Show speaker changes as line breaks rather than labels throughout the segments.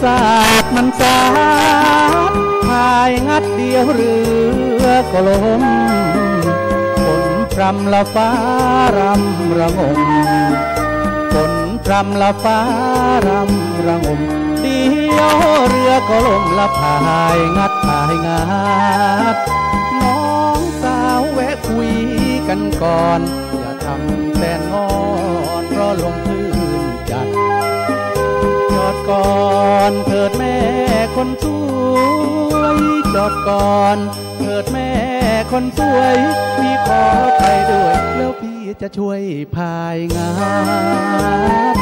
สาดมันสาดพายงัดเดียวเรือก็ล้มฝนพรำละฟ้ารำระงมฝนพรำละฟ้ารำระงมเดียวเรือก็ล่มละพายงัดพายงัดน้องสาวแวะคุยกันก่อนอย่าทำแสนงอนเพราะลมคลื่นจัดจอดก่อนเถิดแม่คนสวยจอดก่อนเถิดแม่คนสวยพี่ขอไปด้วยแล้วพี่จะช่วยพายงาน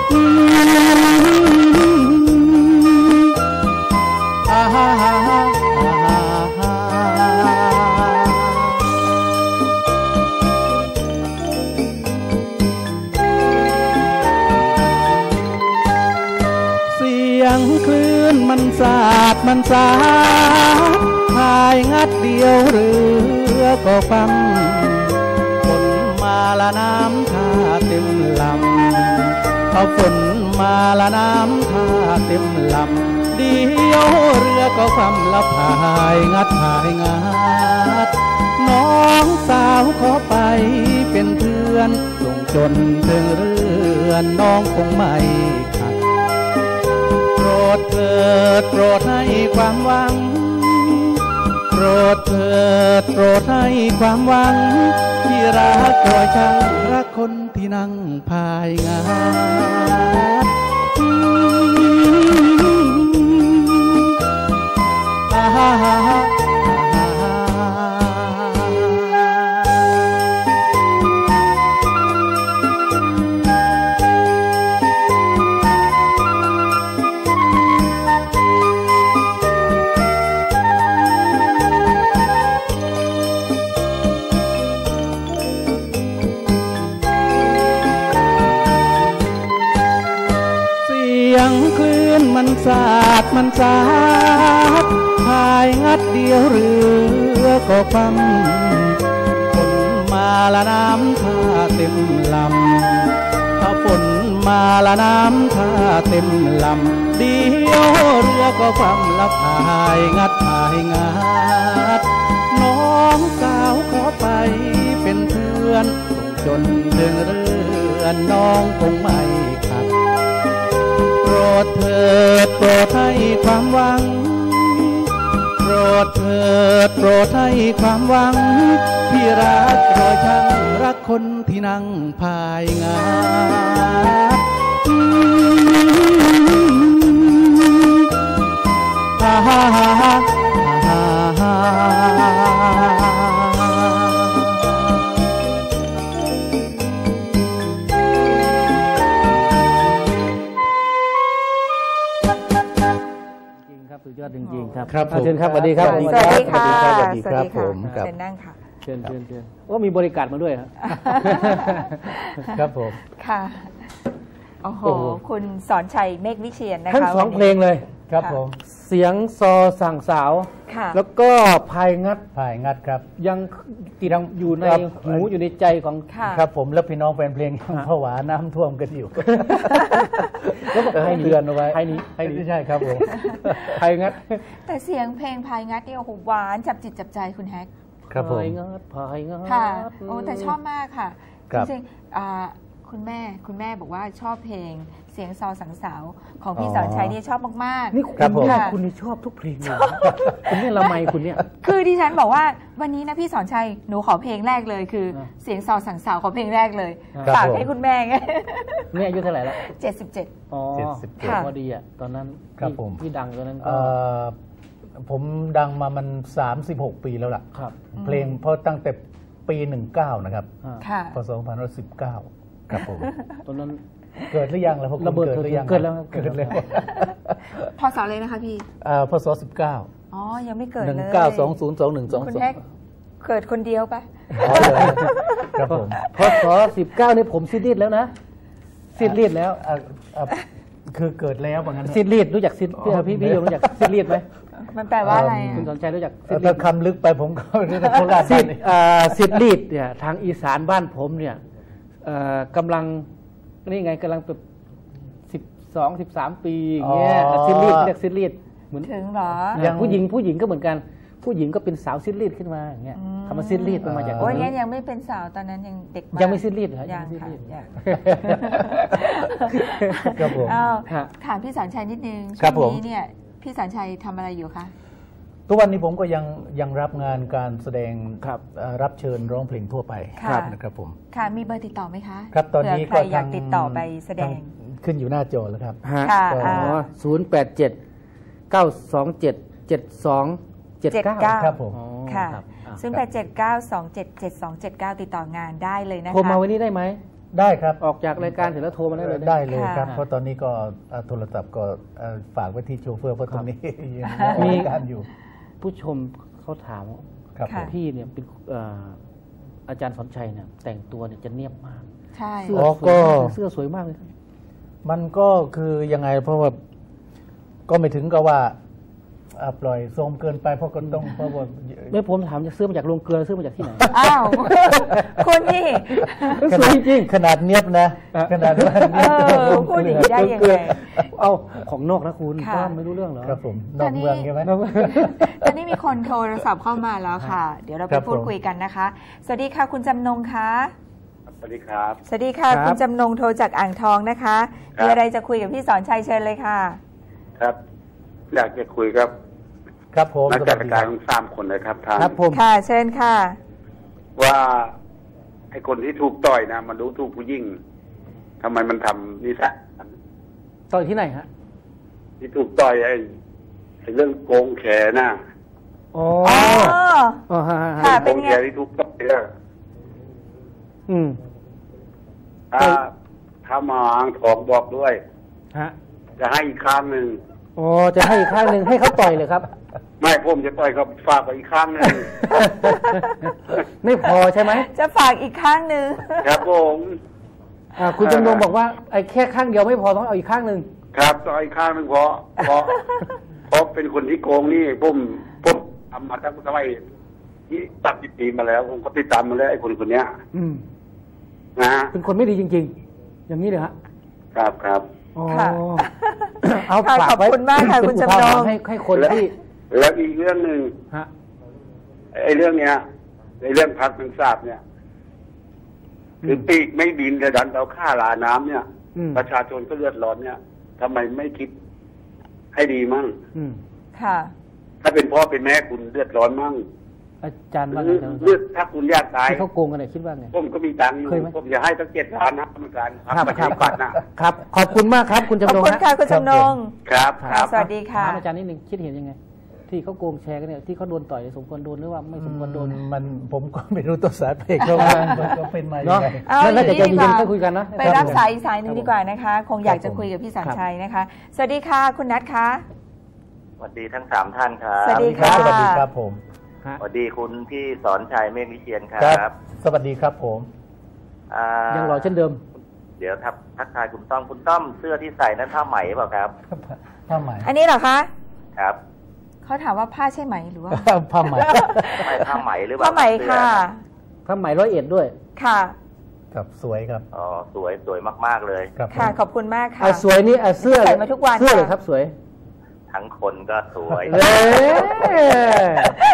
เสียงคลื่นมันสาดมันสาดพายงัดเดียวเรือก็ฟังฝนมาละน้ำท่าเต็มลำเอาฝนมาละน้ำท่าเต็มลำเดียวเรือก็ความละพายงัดพายงัดน้องสาวขอไปเป็นเพื่อนส่งจนถึงเรือนน้องคงไม่ขัดโปรดเถิดโปรดให้ความหวังโปรดเถิดโปรดให้ความหวังที่รักคอยช่างรักคนที่นั่งพายงานคลื่นมันสาดมันสาดพายงัดเดียวเรือก็ฟังฝนมาละน้ำท่าเต็มลำถ้าฝนมาละน้ำท่าเต็มลำเดียวเรือก็ความละพายงัดพายงัดน้องสาวขอไปเป็นเพื่อนส่งจนถึงเรือนน้องคงไม่ขัดโปรดเถิดโปรดให้ความหวังโปรดเถิดโปรดให้ความหวังพี่รักรอยช่างรักคนที่นั่งพายงานฮ่าฮ่าฮ่าฮ่าฮ่า
สุดยอดจริงๆครับ
ครับผม
เชิญครับสวัสดีครับ
สวัสดีค่ะ
สวัสดีครับผม
เชิญนั่งค่ะ
เชิญว่ามีบริการมาด้วยครับ
ครับผม
ค่ะโอ้โหคุณสอนชัยเมฆวิเชียรนะคะ
ทั้งสองเพลงเลย
ครับผม
เสียงซอสั่งสาว
ค่ะ
แล้วก็พายงัด
พายงัดครับ
ยังติดอยู่ใน
ครับ
หูอยู่ในใจของ
ค่ะ
ครับผมแล้วพี่น้องแฟนเพลงยังผวาน้ำท่วมกันอยู่
แล้วก็ให้เตือนเอาไว้ให้นี้
ใช่ครับผม
พายงัด
แต่เสียงเพลงพายงัดเนี่ยโอ้โหหวานจับจิตจับใจคุณแฮก
ครับผม
พายงัดพายงัด
ค่ะโอ้แต่ชอบมากค่ะ
ครั
จ
บ
ริงๆคุณแม่บอกว่าชอบเพลงเสียงซอสังสาวของพี่
อ๋อ
สอนชัยนี่ชอบมากๆ
นี่คุณ
ครับผม
เนี่ย
ค่ะ
คุณนี่ชอบทุกเพลงเลยคุณเนี่ยละไมคุณเนี่ย
คือดิฉันบอกว่าวันนี้นะพี่สอนชัยหนูขอเพลงแรกเลยคือเสียงซอสังสาวขอเพลงแรกเลย
ครับ
ฝาก
ผม
ให้คุณแม่ไง
เนี่ยอายุเท่าไหร่แล้ว
77
อ๋อ
77
ค่ะ
พอดีอ่ะตอนนั้น
ครับผม
ที่ดังตอนนั้นก็
ผมดังมามัน36 ปีแล้วล่ะ
ครับ
เพลงเพราะตั้งแต่ปี19นะครับ
ค่ะ
พศ2519ครับผม
ตอนนั้น
เกิดหรือยังแล้วพวกคุณ
ระเบิด
เกิดหรือยัง
เกิดแล้ว
เกิดแล้ว
พศเลยนะคะพี่
พศ19
อ๋อ ยังไม่เกิดเลย
19202122
คุณแฮกเกิดคนเดียวปะ
อ๋อเหรอครับผม
พศ19นี่ผมซีดรีดแล้วนะซีดรีดแล้ว
คือเกิดแล้วว่างั้น
ซีดรีดรู้จักซีดพี่โยมรู้จักซีดรีดไหม
มันแปลว่าอะไร
คุณ
อะ
สนใจรู้จักซีดรี
ถ้า
ด
คำลึกไปผมก็ไม่ได้โคราช
ซีด
นี่
ซีดรีดเนี่ยทางอีสานบ้านผมเนี่ยกำลังนี่ไงกำลังแบบ
12-13 ปีอย่างเงี้ยซิลิดเรียกซิลิดเหมือน
ถึงเหรอ
อย่างผู้หญิงก็เหมือนกันผู้หญิงก็เป็นสาวซิลิดขึ้นมาอย่างเงี้ยคำว่าซิลิดมันมาจากตร
โอ้
ง
ยงั้
นี้
นยังไม่เป็นสาวตอนนั้นยังเด็กมาก
ยังไม่ซิลิดเหรอ
ยัง
ไม่ซิ
ค่ะ
ลิด
ยัง
ครับผม
อ้าว
ฮะ
ถามพี่สอนชัยนิดนึง
ครั
ช่
บ
วง
ผม
นี้เนี่ยพี่สอนชัยทำอะไรอยู่คะ
ทุกวันนี้ผมก็ยังรับงานการแสดง
ครับ
รับเชิญร้องเพลงทั่วไป
ค่ะ
นะครับผม
ค่ะมีเบอร์ติดต่อไหมคะ
ครับตอนนี้
เผื่
ก็
ใครอยากติดต่อไปแสดง
ขึ้นอยู่หน้าจอแล้วครับ
ฮะ
ค่ะ
อ๋อ087-927-7279
ครับผม
อ๋อ
ค่ะ
รับอ่ะ
0879277279 ติดต่องานได้เลยนะคะ
โทรมาวันนี้ได้ไหม
ได้ครับ
ออกจากรายการเสร็จแล้วโทรมาได้เลยนะ
ได้เลยครับ
ค่ะ
เพราะตอนนี้ก็โทรศัพท์ก็ฝากไว้ที่โชเฟอร์เพราะตรงนี้ยัง
มี
มีการอยู่
ผู้ชมเขาถามว่า
ครับผม
พี่เนี่ยเป็นอาจารย์สอนชัยเนี่ยแต่งตัวเนี่ยจะเนียบมาก
ใช่
เสื้อ
อ๋อ
สวย
ก็
มากเลยเสื้อสวยมากเลยครับ
มันก็คือยังไงเพราะว่าก็ไม่ถึงกับว่าปล่อยโทรมเกินไปเพราะก็ต้องเพราะว่า
ไม่ผมถามจะซื้อมาจากโรงเกลือซื้อมาจากที่ไหน
อ้าว คุณนี่
สวยจริง
ขนาดเนียบนะขนาดว่าเนียบ
พูดอย่างนี้ได้ยังไง
เอาของนอกนะคุณ
ค่ะ
ป้าไม่รู้เรื่องเหรอ
ครับผมนอกเมืองใช่ไหม
ตอนนี้มีคนโทรศัพท์เข้ามาแล้วค่ะ เดี๋ยวเรา
ค
ไป
รับ
พูด
ผม
คุยกันนะคะ สวัสดีค่ะคุณจำนงคะ
สวัสดีครับ
สวัสดีค่ะ
ครับ
คุณจำนงโทรจากอ่างทองนะคะ
ครับ
มีอะไรจะคุยกับพี่สอนชัยเชิญเลยค่ะ
ครับ อยากจะคุยกับ
ครับผม
นักจัด
สวัสดี
การ
ค
ทั้งสามคนนะครับทาง
ครับผม
ค่ะ เชิญค่ะ
ว่าไอ้คนที่ถูกต่อยนะมันรู้ถูกผู้ยิ่งทำไมมันทำนิสัยนั้น
ต่อยที่ไหนฮะ
ที่ถูกต่อยไอ้เรื่องโกงแขนน่ะ
อ๋อ
อ๋อ
อ๋อฮะ
ค่ะ
โก
เป็น
ง
ไง
แขนที่ถูกต่อยเนี่ย
อืม
ถ้ามาอ่างทองบอกด้วย
ฮะ
จะให้อีกข้างหนึ่ง
อ๋อจะให้อีกข้างหนึ่งให้เขาต่อยเลยครับ
ไม่ผมจะต่อยเขาฝากไปอีกข้างหนึ่ง
ไม่พอใช่ไหม
จะฝากอีกข้างหนึ่ง
ครับผม
คุณจำนงบอกว่าไอ้แค่ข้างเดียวไม่พอต้องเอาอีกข้างหนึ่ง
ครับต่อยอีกข้างหนึ่งเพราะเป็นคนที่โกงนี่ผมทำมาตั้งแต่ที่ตัดปีมาแล้วผมก็ติดตามมาแล้วไอ้คนเนี้ย
อืม
นะฮะ
เป็นคนไม่ดีจริง ๆ อย่างนี้เลยฮะ
ครับ
อ๋อ
ค่ะ
เอา
ค่ะ
ฝาก
ขอบ
ไว้
คุณมากค่ะ
เป็
คุณ
อุ
จำ
ทาน ห
ง
รณ์ให้คนที่
แล้วอีกเรื่องหนึ่ง
ฮะ
ไอ้เรื่องเนี้ยไอ้เรื่องพักนังทราบเนี่ยคือปีกไม่บินกระดันเอาค่าลาน้ำเนี่ย
อืม
ประชาชนก็เลือดร้อนเนี่ยทำไมไม่คิดให้ดีมั่ง
อืม
ค่ะ
ถ้าเป็นพ่อเป็นแม่คุณเลือดร้อนมั่ง
อาจารย์
ห
ว่า
รื
ไง
อ
ครับ
เลือดถ้าคุณอยากตาย
ที่เขาโกงกันเนี่ยคิดว่าไง
ผมก็มีตังค์อยู่
เคยไหม
ผมจะให้ตั้ง7 ล้านนะกรรมการประชาธิปัตย์นะครับ
ขอบคุณมากครับ คุณ
ขอบ
จำนง
คุณ
ฮะ
ค่ะคุณจำนง
ครับ
ค่ะสวัสดีค่ะ
ถามอาจารย์นิดนึงคิดเห็นยังไง ที่เขาโกงแชร์กันเนี่ยที่เขาโดนต่อยสมควรโดนหรือว่าไม่สมควรโดน
มันผมก็ไม่รู้ตัวสาเหตุเขาว่ามันก็เป็นมายังไง
เอา
นั่น
อ
น่า
ย่าง
จะ
นี้
ใจ
ดีก
เย็น
ว่า
ๆค่อยคุยกันนะ
ไปรับสายอีกสายหนึ่งดีกว่านะคะ คงอยากจะคุยกับพี่สอนชัยนะคะ สวัสดีค่ะ คุณนัทคะ
สวัสดีทั้ง3ท่านครั
สวั
บ
สดีค่ะ
สวัสดีครับผม
ฮะ
สวัสดีคุณพี่สอนชัยเมฆวิเชียนค
ค
รั
รับ บ สวัสดีครับผม
อ่า
ยังรอเช่นเดิม
เดี๋ยวทักทายคุณต้อมเสื้อที่ใส่นั้นผ้าไหมเปล่าครับ
ผ้าไหม
อันนี้เหรอคะ
ครับ
เขาถามว่าผ้าใช่ไหมหรือว่า
ผ้าไหม
ไม่ผ้าไหมหรือเปล่า
ผ้าไหม
เสื้อ
ค่ะ
พระไหม101ด้วย
ค่ะ
ครับสวยครับ
อ๋อสวยมากๆเลย
ครับ
ค่ะ ขอบคุณมากค่ะ
สวยนี่เสื้อ
ใส่มาทุกวัน
เสื้อเลย
ค่ะ
ครับสวย
ทั้งคนก็สวย
เอ้ย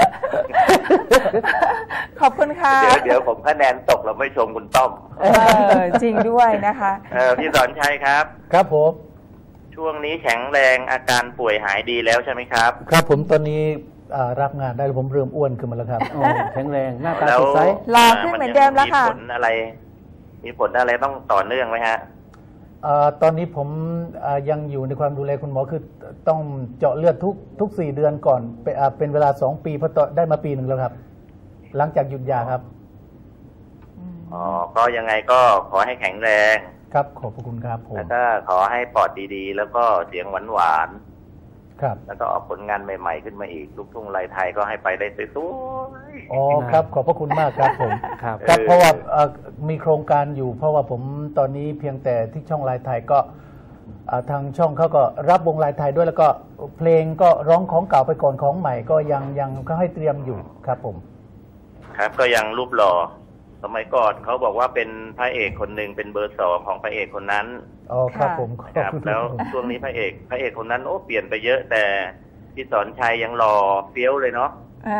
ขอบคุณค่ะ
เดี๋ยวผมคะแนนตกเราไม่ชมคุณต้อม
จริงด้วยนะคะ
พี่สอนชัยครับ
ครับผม
ช่วงนี้แข็งแรงอาการป่วยหายดีแล้วใช่ไหมครับ
ครับผมตอนนี้รับงานได้แล้วผมเริ่มอ้วนขึ้นมาแล้วครับ
โอ้แข็งแรงหน้าตา
แล้ว
สดใส
หล่อขึ้นเหมือนเดิมแล้วค่ะ
มีผลอะไรต้องต่อเนื่องไหมฮะ
ตอนนี้ผมยังอยู่ในความดูแลคุณหมอคือต้องเจาะเลือดทุก4 เดือนก่อนเป็นเวลา2 ปีเพราะได้มาปีหนึ่งแล้วครับ หลังจากหยุดยาครับ
อ๋อ ก็ยังไงก็ขอให้แข็งแรง
ครับขอบพระคุณครับผม
แล้วก็ขอให้ปอดดีๆ แล้วก็เสียงหวาน
ครับ
ๆ แล้วก็ออกผลงานใหม่ๆขึ้นมาอีก ลูกทุ่งไรไทยก็ให้ไปได้สวย
อ๋อครับขอบพระคุณมากครับผม
ครับ
ครับเพราะว่ามีโครงการอยู่ เพราะว่าผมตอนนี้เพียงแต่ที่ช่องลายไทยก็ทางช่องเขาก็รับวงลายไทยด้วยแล้วก็เพลงก็ร้องของเก่าไปก่อนของใหม่ก็ยังก็ให้เตรียมอยู่ครับผม
ๆ ครับ ก็ยังรูปหล่อสมัยก่อนเขาบอกว่าเป็นพระเอกคนหนึ่งเป็นเบอร์2ของพระเอกคนนั้น
อ๋อครับผม
ครับแล้วช่วงนี้พระเอกคนนั้นโอ้เปลี่ยนไปเยอะแต่พี่สอนชัยยังหล่อเฟี้ยวเลยเนาะ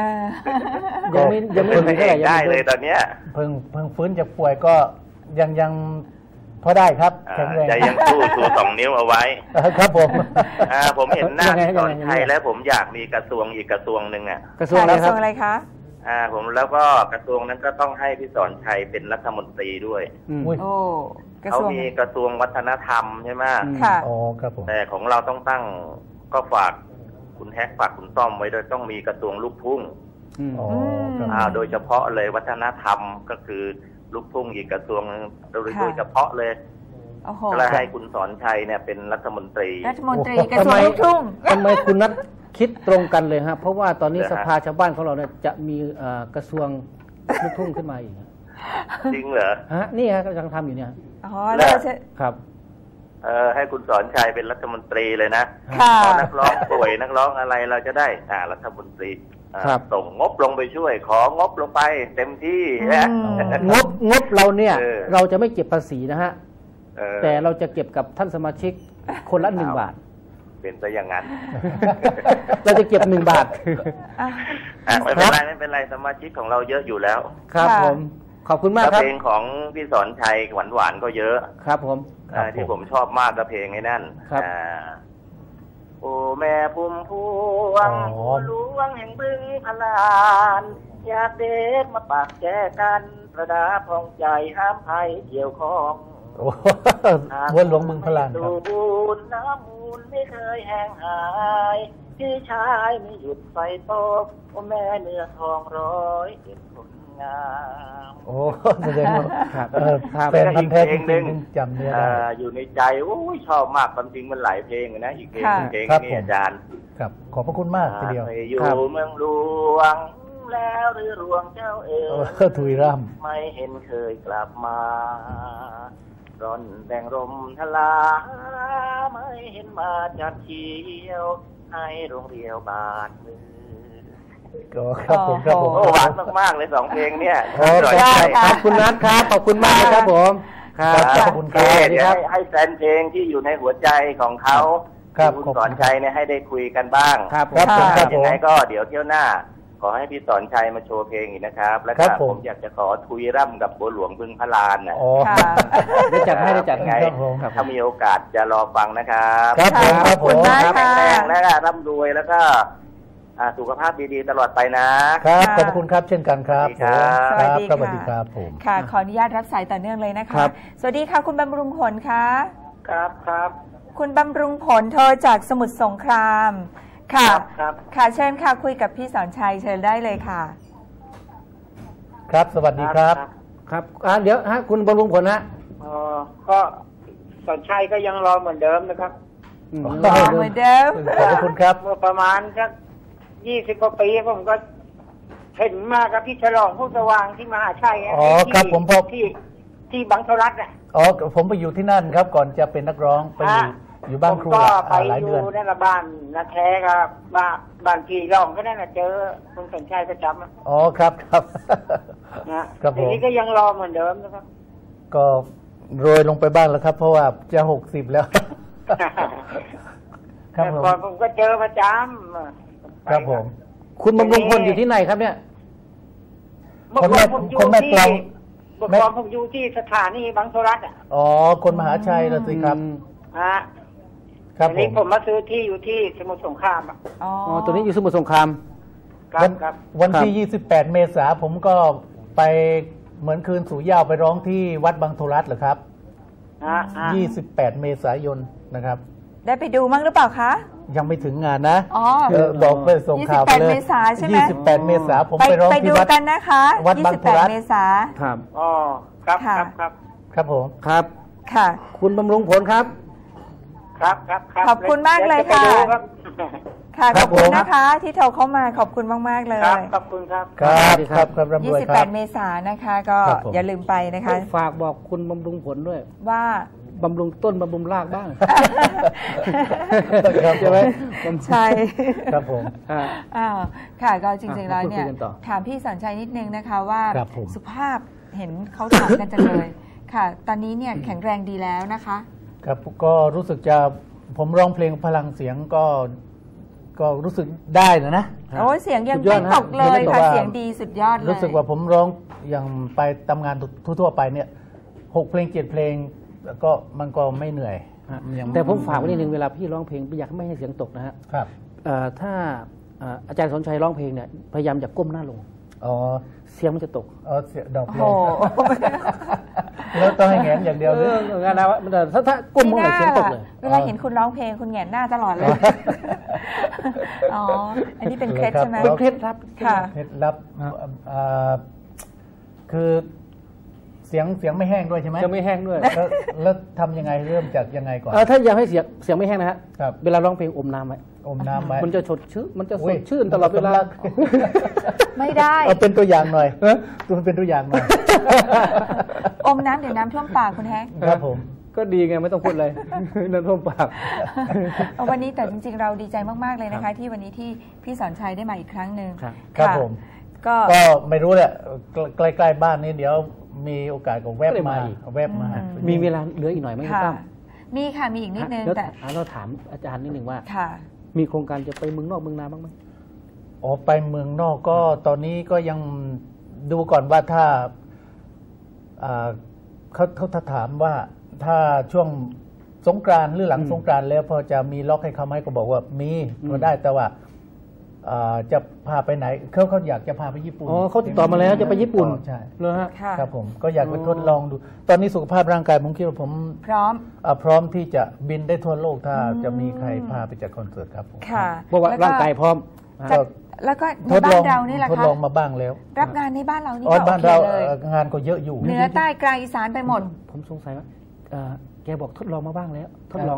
ยังไม่
เป็นพระเอกได้เลยตอนเนี้ย
เพิ่งฟื้นจากป่วยก็ยังพอได้ครับแข็งแรง
ใจยังสู้ชู2 นิ้วเอาไว้
ครับผม
ผมเห็นหน้าพี่สอนชัยแล้วผมอยากมีกระทรวงอีกกระทรวงหนึ่งอ่ะ
กระทรวงอะไรครับ
อะไรคะ
ผมแล้วก็กระทรวงนั้นก็ต้องให้พี่สอนชัยเป็นรัฐมนตรีด้วย
โอ้กระ
เขา
ทรวง
มีกระทรวงวัฒนธรรมใช่ไหม
ค่ะ
อ๋อครับผม
แต่ของเราต้องตั้งก็ฝากคุณแฮกฝากคุณต้อมไว้โดยต้องมีกระทรวงลูกทุ่ง
อ๋อครับ
โดยเฉพาะเลยวัฒนธรรมก็คือลูกทุ่งอีกกระทรวงนึงโดยเฉพาะเลย
โอ้โห
ก็เลยให้คุณสอนชัยเนี่ยเป็นรัฐมนตรี
รัฐมนตรีกระทรวงลูกทุ่ง
ทำไมคุณนัทคิดตรงกันเลยฮะเพราะว่าตอนนี้
เหรอ
ส
ฮะ
ภาชาวบ้านของเราเนี่ยจะมีกระทรวงลูกทุ่งขึ้นมาอีก
จริงเหรอ
ฮะนี่ฮะกำลังทำอยู่เนี่ย
อ๋อแล้วจะ
ครับ
ให้คุณสอนชัยเป็นรัฐมนตรีเลยนะ
ค่ะ
พอนักร้องป่วยนักร้องอะไรเราจะได้รัฐมนตรี
ครับ
ส่งงบลงไปช่วย ของบลงไปเต็มที่นะ
งบเราเนี่ย เราจะไม่เก็บภาษีนะฮะ
เออ
แต่เราจะเก็บกับท่านสมาชิกคนละ1 บาท
เป็นซะอย่างนั้น
เราจะเก็บ1 บาท
ไม่เป็นไรสมาชิกของเราเยอะอยู่แล้ว
ครับ
ค่ะ
ผมขอบคุณมาก
แล้ว
ครับ
เพลงของพี่สอนชัยหวานๆก็เยอะ
ครับผม
ที่ผมชอบมากก็เพลงไอ้นั่น
ครับ
โอ้แม่พุ่มพวง
อ๋อ
หลวงแห่งบึงพลาน อยากเด็กมาปากแจกันประดาพองใจห้ามภัยเกี่ยวข้อง
โอ้วัวหลวงบึงพลานครับ
ดูบุญน้ำมูลไม่เคยแห้งหายพี่ชายไม่หยุดไฟตกโอ้แม่เนื้อทอง100เป็นคนงาม
โอ้แสดงว่า
ครับ
แฟนพันธุ์แท้จริงๆจำเนื้อได้
อยู่ในใจโอ้ยชอบมากความจริงมันหลายเพลงนะอีกเพลง
ค่ะ
เพลง
ครับ
นี้
ผม
อาจารย์
ครับขอบพระคุณมากทีเดียว
ไปอยู่
ครับ
เมืองหลวงแล้วหรือหลวงเจ้าเอ๋ย
ถุยร่
ไม่เห็นเคยกลับมาร่อนแบ่งลมทลาไม่เห็นมาจัดเที่ยวให้โรงเรียวบาทมือ
ก็ครับผมครับผม
โอ้หวานมากๆเลย2 เพลงเนี่ย
โอ้
อร่อย
ได้
ใจ
ขอบคุณนัทครับขอบคุณมากเลยครับผมครับ
ขอบคุณครับ
เดี๋ยวให้แฟนเพลงที่อยู่ในหัวใจของเขา
ครับ
คุณสอนชัยเนี่ยให้ได้คุยกันบ้าง
ครับ
ครับผมครับผ
ยัง
ม
ไงก็เดี๋ยวเที่ยวหน้า ขอให้พี่สอนชัยมาโชว์เพลงอีกนะครับ แล้ว
ครั
ก็
บผม
ผมอยากจะขอทุยร่ำกับบัวหลวงบึงพลานนะ
อ๋อ
ค่ะ
ได้จัดให้ได้จัดให้
ครับผม
ถ้ามีโอกาสจะรอฟังนะครับ
ครับผมครับผม
ขอบคุณมาก
แข็
ค่ะ
งแรงและร่ำรวยแล้วก็สุขภาพดีๆตลอดไปนะครับ
ขอบพระคุณครับเช่นกันครับ
สวัสดีครับ
ผม
สวัสดี
ครับ
ค่ะ
ผม
ค่ะ ขออนุญาตรับสายต่อเนื่องเลยนะคะ
ครับ
สวัสดีค่ะ คุณบำรุงผลคะ
ครับครับ
คุณบำรุงผลโทรจากสมุทรสงคราม ค่ะ
ครับ
ค่ะ เชิญค่ะ คุยกับพี่สอนชัยเชิญได้เลยค่ะ
ครับสวัสดีครับ
ครับเดี๋ยวฮะคุณบำรุงผลฮะ
ก็สอนชัยก็ยังรอเหมือนเดิมนะครับ
รอเหมือนเดิม
ขอบพระคุณครับ
เมื่อประมาณสัก20 กว่าปีผมก็เห็นมากับพี่ฉลองผู้สว่างที่มหาชัยะ
อ๋อครับผมพบ
ที่บางทรัฐอ่ะ
อ๋อผมไปอยู่ที่นั่นครับ ก่อนจะเป็นนักร้องไปอยู่บ้านครู
ผมก็ไป
หลาย
อ
เดือน
ยู่นั่นละบ้านนาแท้ครับบ้านพี่ร้องก็นั่นน่ะเจอคุณสอนชัยประจำอะ
อ๋อครับครับ
นะครับ
ผม
ทีนี้ก็ยังรอเหมือนเดิมนะครับ
ก็โรยลงไปบ้างแล้วครับ เพราะว่าจะ60แล้ว ครับ
แต่
ผม
ก่อนผมก็เจอประจำ
ครับผม
คุณบำรุงผลอยู่ที่ไหนครับเนี่ย
เมื่อก่อนผมอยู่
คนแม่
ที่
กลอง
เมื่อก่อนผมอยู่ที่สถานีบางทรัฐอ่ะ
อ๋อคนมหาชัยนะสิครับ
ฮะ
ครับ
ที
ผ
นี้
ม
ผมมาซื้อที่อยู่ที่สมุทรสงครามอ่ะ
อ๋อ
อ๋อตัวนี้อยู่สมุทรสงคราม
ครับครับ
วันที่ 28 เมษาผมก็ไปเหมือนคืนสู่เหย้าไปร้องที่วัดบางโทรัสเหรอครับ 28 เมษายนนะครับ
ได้ไปดูมั้งหรือเปล่าคะ
ยังไม่ถึงงานนะ
อ๋อ
บอกไปส่งข่าวไปเลย
28 เมษาใช่ไหม
28 เมษาผมไปร้อง
ไป
ที่
ดู
วัด
กันนะคะ
วัดบางโทรัส
28 เมษา
ครับ
อ๋อครับ
ค่ะ
ครับครับ
ครับผม
ครับ
ค่ะ
คุณบำรุงผลครับ
ครับครับครับ
ขอบคุณมากเลยค่ะ
ดี๋วจไปดูครับ
ค่ะ
ค
ข
รั
อ
บบ
คุณ
ผม
นะคะ ที่โทรเข้ามาขอบคุณมากๆเลย
ครับขอบคุณครับ
ครับครับครับร่ำรวยครับ
28 เมษายนนะคะ ก็
ครับผม
อย่าลืมไปนะคะ
ฝากบอกคุณบำรุงผลด้วย
ว่า
บำรุงต้นบำรุงรากบ้าง
ครับ
ใช่ไหม
ใช่
ครับผม
อ่า
อ้าวค่ะก็จริงๆแล้วเนี่ย
พูดคุยกันต่อ
ถามพี่สอนชัยนิดนึงนะคะว่า
ครับผม
สุภาพเห็นเขาถามกันจังเลยค่ะ ตอนนี้เนี่ยแข็งแรงดีแล้วนะคะ
ครับก็รู้สึกจะผมร้องเพลงพลังเสียงก็รู้สึกได้นะ
โอ้ยเสียงยังไม่ตกเลยค่ะเสียงดีสุดยอดเลย
รู้สึกว่าผมร้องอย่างไปทำงานทั่วๆไปเนี่ย6 เพลง 7 เพลงก็มันก็ไม่เหนื่อย
แต่ผมฝากไว้นิดนึงเวลาพี่ร้องเพลงอยากไม่ให้เสียงตกนะฮะ
ครับ
ถ้าอาจารย์สนชัยร้องเพลงเนี่ยพยายามอย่าก้มหน้าลงเสียงมันจะตก
เสียงดอกเลยแล้วต้องให้แงนอย่างเดียวเลย
งานนะถ้าก้มเมื่อไหร่เสียงตกเลย
เวลาเห็นคุณร้องเพลงคุณแงนหน้าตลอดเลยอ๋ออันนี้เป็นเคล็ดใช่ไหม
เป็นเคล็ดลับ
ค่ะ
เคล็ดลับคือเสียงไม่แห้งด้วยใช่ไหม
จะไม่แห้งด้วย
แล้วทำยังไงเริ่มจากยังไงก่อน
ถ้าอยากให้เสียงไม่แห้งนะฮะเวลาร้องเพลงอมน้ำไว้มันจะสดชื่นมันจะสดชื่นตลอดเวลา
ไม่ได้
เป็นตัวอย่างหน่อยเป็นตัวอย่างหน่อย
อมน้ำเดี๋ยวน้ำท่วมปากคุณแฮก
ครับผม
ก็ดีไงไม่ต้องพูดเลยน้ำท่วมปาก
วันนี้แต่จริงๆเราดีใจมากๆเลยนะคะที่วันนี้ที่พี่สอนชัยได้มาอีกครั้งหนึ่ง
ครับผมก็ไม่รู้แหละใกล้ๆบ้านนี้เดี๋ยวมีโอกาสก็แวบมา
มีเวลาเหลืออีกหน่อยไหมครับ
มีค่ะมีอีกนิดนึง
แต่เราถามอาจารย์นิดนึงว่ามีโครงการจะไปเมืองนอกเมืองนาบ้างไหม
ไปเมืองนอกก็ตอนนี้ก็ยังดูก่อนว่าถ้าเขาถามว่าถ้าช่วงสงกรานต์หรือหลังสงกรานต์แล้วพอจะมีล็อกให้เขาไหมก็บอกว่ามีก็ได้แต่ว่าจะพาไปไหนเขาอยากจะพาไปญี่ปุ่น
เขาติดต่อมาแล้วจะไปญี่ปุ่น
ใช่
เลยฮะ
ครับผมก็อยากไปทดลองดูตอนนี้สุขภาพร่างกายผมคิดว่าผม
พ
ร้อมที่จะบินได้ทั่วโลกถ้าจะมีใครพาไปจัดคอนเสิร์ตครับผม
เพราะว่าร่างกายพร้อม
แล้วก็ในบ้านเรานี่แหละค่ะ
ทดลองมาบ้างแล้ว
รับงานในบ้านเรานี่ก็โอเคเลย
งานก็เยอะอยู่
เหนือใต้กลางอีสานไปหมด
ผมสงสัยว่าแกบอกทดลองมาบ้างแล้วทดลอง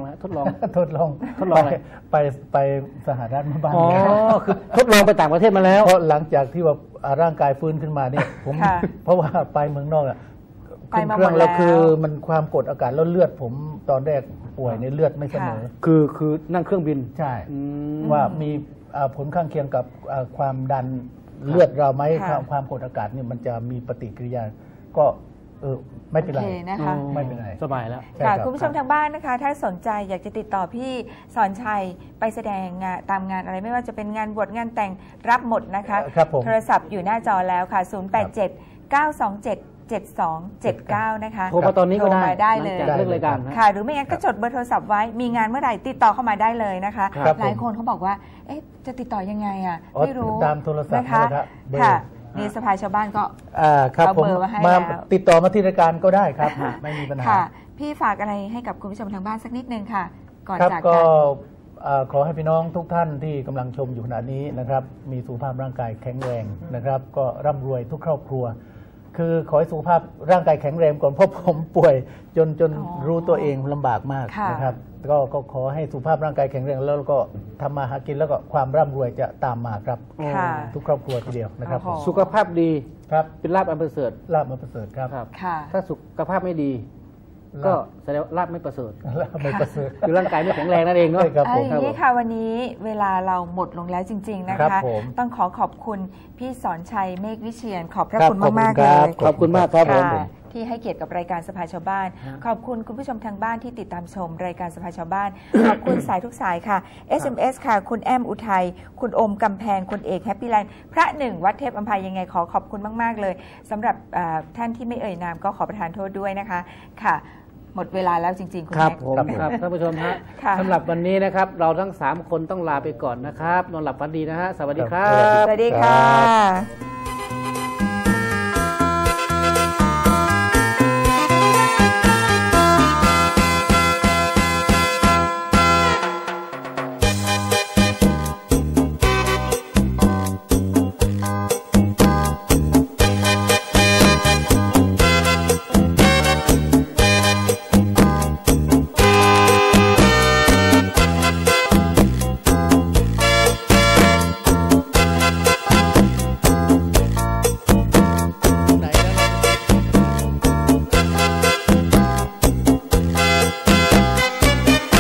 ไปสหรัฐมาบ้าง
คือทดลองไปต่างประเทศมาแล้ว
เพราะหลังจากที่ว่าร่างกายฟื้นขึ้นมาเนี่ยผมเพราะว่าไปเมืองนอกขึ้นเครื่องแล้วคือมันความกดอากาศแล้วเลือดผมตอนแรกป่วยในเลือดไม่เสมอ
คือนั่งเครื่องบิน
ใช่ว่ามีผลข้างเคียงกับความดันเลือดเราไหมความกดอากาศเนี่ยมันจะมีปฏิกิริยาก็ไม่เป็นไร
นะคะ
ไม่เป็นไร
สบายแล้ว
ค่ะคุณผู้ชมทางบ้านนะคะถ้าสนใจอยากจะติดต่อพี่สอนชัยไปแสดงงานตามงานอะไรไม่ว่าจะเป็นงานบวชงานแต่งรับหมดนะคะโทรศัพท์อยู่หน้าจอแล้วค่ะ087 927 7279นะคะ
โทรมาตอนนี้ก็
ได้เลย
เรื่องรายการ
ค่ะหรือไม่งั้นก็จดเบอร์โทรศัพท์ไว้มีงานเมื่อไหร่ติดต่อเข้ามาได้เลยนะคะหลายคนเขาบอกว่าจะติดต่อยังไงอ่ะไม่รู้
ตามโทรศัพท์
นะคะค่ะนี่สภาชาวบ้านก็
เอาเบอร์มาให้แล้วติดต่อมาที่รายการก็ได้ครับไม่มีปัญหา
พี่ฝากอะไรให้กับคุณผู้ชมทางบ้านสักนิดนึงค่ะก่อนจาก
กันขอให้พี่น้องทุกท่านที่กำลังชมอยู่ขณะนี้นะครับมีสุขภาพร่างกายแข็งแรงนะครับก็ร่ำรวยทุกครอบครัวคือขอให้สุขภาพร่างกายแข็งแรงก่อนเพราะผมป่วยจนรู้ตัวเองลำบากมากนะครับก็ขอให้สุขภาพร่างกายแข็งแรงแล้วก็ทำมาหากินแล้วก็ความร่ำรวยจะตามมาครับทุกครอบครัวทีเดียวนะครับ
สุขภาพดี
ครับ
เป็นลาภอันประเสริฐ
ลาภอันประเสริฐครับ
ถ้าสุขภาพไม่ดีก็แสดงลาภไม่ประเสริฐ
ไม่ประเสริฐ
คือร่างกายไม่แข็งแรงนั่นเองเนาะ
นี่ค่ะวันนี้เวลาเราหมดลงแล้วจริงๆนะคะต้องขอบคุณพี่สอนชัยเมฆวิเชียรขอบพระคุณมากๆเลย
ขอบคุณมากครับ
ที่ให้เกียรติกับรายการสภาชาวบ้านขอบคุณคุณผู้ชมทางบ้านที่ติดตามชมรายการสภาชาวบ้านขอบคุณสายทุกสายค่ะ SMS ค่ะคุณแอมอุทัยคุณอมกำแพงคุณเอกแฮปปี้ไลน์พระหนึ่งวัดเทพอัมพายยังไงขอบคุณมากๆเลยสำหรับท่านที่ไม่เอ่ยนามก็ขอประทานโทษด้วยนะคะค่ะหมดเวลาแล้วจริงๆคุณ
ครับผมครับท่านผู้ชมฮะสำหรับวันนี้นะครับเราทั้ง3คนต้องลาไปก่อนนะครับนอนหลับฝันดีนะฮะสวัสดีครับ
สวัสดีค่ะ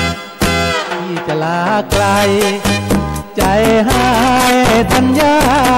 ไกลใจหายทัญญา